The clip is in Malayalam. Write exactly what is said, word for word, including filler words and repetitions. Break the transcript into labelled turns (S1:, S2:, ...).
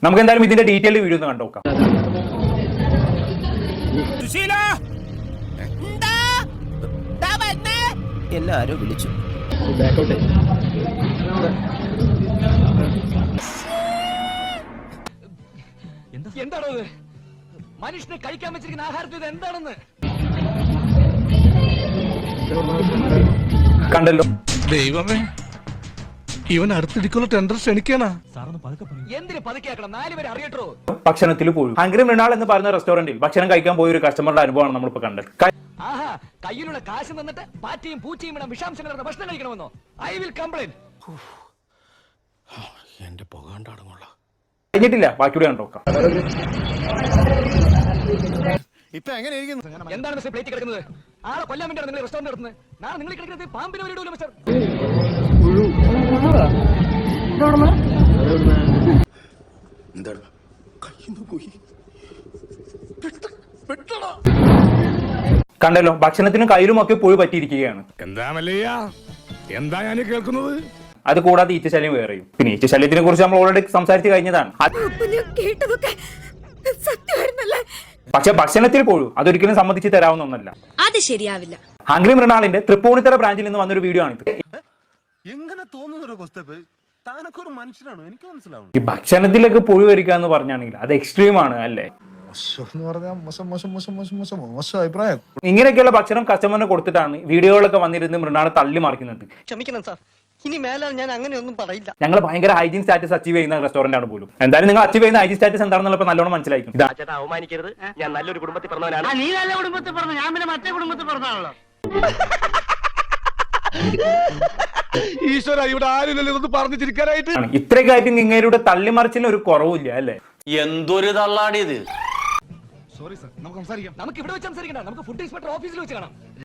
S1: നമുക്ക് എന്തായാലും ഇതിന്റെ ഡീറ്റെയിൽ വീഡിയോ ഒന്ന് കണ്ടു നോക്കാം.
S2: എല്ലാരും വിളിച്ചു.
S3: എന്താണോ മനുഷ്യനെ കഴിക്കാൻ വെച്ചിരിക്കുന്ന ആഹാരത്തിൽ ഇത് എന്താണെന്ന്
S1: കണ്ടല്ലോ.
S4: ദൈവമേ, ഇവൻ അടുത്തിടിക്കുള്ള ടെൻഡർ ക്ഷണിക്കാനാ.
S3: എന്തിന് പതുക്കിയാക്കണം, നാലുപേരെ അറിയട്ടോ.
S1: ഭക്ഷണത്തിൽ പോയി ഹംഗ്രി മൃണാൾ എന്ന് പറയുന്ന റെസ്റ്റോറന്റിൽ ഭക്ഷണം കഴിക്കാൻ പോയ ഒരു കസ്റ്റമറുടെ അനുഭവമാണ് നമ്മളിപ്പോ കണ്ടത്.
S3: ആഹാ, കയ്യിലുള്ള കാശ് തന്നിട്ട് പാറ്റയും പൂച്ചയും ഇടം വിഷാംശം കലർന്ന ഭക്ഷണം കഴിക്കണമെന്നോ? I will complaint.
S4: എന്റെ പോകാണ്ടാടുന്നുള്ള
S1: കഴിഞ്ഞിട്ടില്ല, ബാക്കിയൂടെ കണ്ടോക്കാം.
S3: എന്താണ് മിസ്റ്റർ പ്ലേറ്റ് കിടക്കുന്നത്? ആളെ കൊല്ലാൻ വേണ്ടിയാണ് നിങ്ങൾ റെസ്റ്റോറന്റ് നടത്തുന്നത്. നാളെ നിങ്ങൾ കിടക്കുന്നത് പാമ്പിനെ വരെയിടൂല്ലോ മിസ്റ്റർ.
S1: കണ്ടല്ലോ, ഭക്ഷണത്തിനും കയ്യിലും ഒക്കെ പുഴു പറ്റിയിരിക്കുകയാണ്.
S4: എന്താ മല്ലയ്യ, എന്താ ഞാൻ കേൾക്കുന്നത്?
S1: അത് കൂടാതെ ഈച്ചശല്യം വേറെയും. പിന്നെ ഈച്ചശല്യത്തിനെ കുറിച്ച് നമ്മൾ ഓൾറെഡി സംസാരിച്ച് കഴിഞ്ഞതാണ്. പക്ഷെ ഭക്ഷണത്തിൽ പോഴും അതൊരിക്കലും സമ്മതിച്ച് തരാവുന്ന ഒന്നല്ല.
S5: അത് ശരിയാവില്ല.
S1: ഹംഗ്രി മൃണാളിന്റെ തൃപ്പൂണിത്തറ ബ്രാഞ്ചിൽ നിന്ന് വന്നൊരു വീഡിയോ ആണിത്.
S6: എങ്ങനെ തോന്നുന്നു താനൊക്കെ ഒരു മനുഷ്യനാണ്, എനിക്ക് മനസ്സിലാവും.
S1: ഈ ഭക്ഷണത്തിലേക്ക് പുഴു വരിക എന്ന് പറഞ്ഞാണെങ്കിൽ അത് എക്സ്ട്രീം ആണ് അല്ലേ. ഇങ്ങനെയൊക്കെയുള്ള ഭക്ഷണം കസ്റ്റമറിന് കൊടുത്തിട്ടാണ് വീഡിയോകളൊക്കെ വന്നിരുന്ന് മൃണാളെ തള്ളി മറിക്കുന്നത്.
S2: ക്ഷമിക്കണം സാർ, ഇനി മേലാൽ ഞാൻ അങ്ങനെയൊന്നും പറയില്ല.
S1: ഞങ്ങൾ ഭയങ്കര ഹൈജീൻ സ്റ്റാറ്റസ് അച്ചീവ് ചെയ്യുന്ന റെസ്റ്റോറന്റ് ആണ് പോലും. എന്തായാലും നിങ്ങൾ അച്ചീവ് ചെയ്യുന്ന ഹൈജീൻ സ്റ്റാറ്റസ് എന്താണെന്നുള്ള നല്ലോണം മനസ്സിലായിരിക്കും.
S3: അവമാനിക്കരുത്, ഞാൻ നല്ലൊരു കുടുംബത്തിൽ പറഞ്ഞവനാണ്.
S7: നീ നല്ല കുടുംബത്തിൽ പറഞ്ഞു, ഞാൻ പിന്നെ മറ്റേ കുടുംബത്തിൽ പറഞ്ഞാണല്ലോ.
S4: ഈശ്വര, ഇവിടെ ആരുമില്ലല്ലോ ഇതൊന്ന് പറഞ്ഞു ചിരിക്കാനായിട്ട്.
S1: ഇത്രയൊക്കെ ആയിട്ട് നിങ്ങളുടെ തള്ളിമറിച്ചിന് ഒരു കുറവില്ല അല്ലേ.
S2: എന്തൊരു തള്ളാടിയത്.
S4: സോറി സർ, നമുക്ക് സംസാരിക്കാം.
S3: നമുക്ക് ഇവിടെ വെച്ച് സംസാരിക്കണ്ട, നമുക്ക് ഫുഡ് ഇൻസ്പെക്ടർ ഓഫീസിൽ വെച്ച് കാണാം.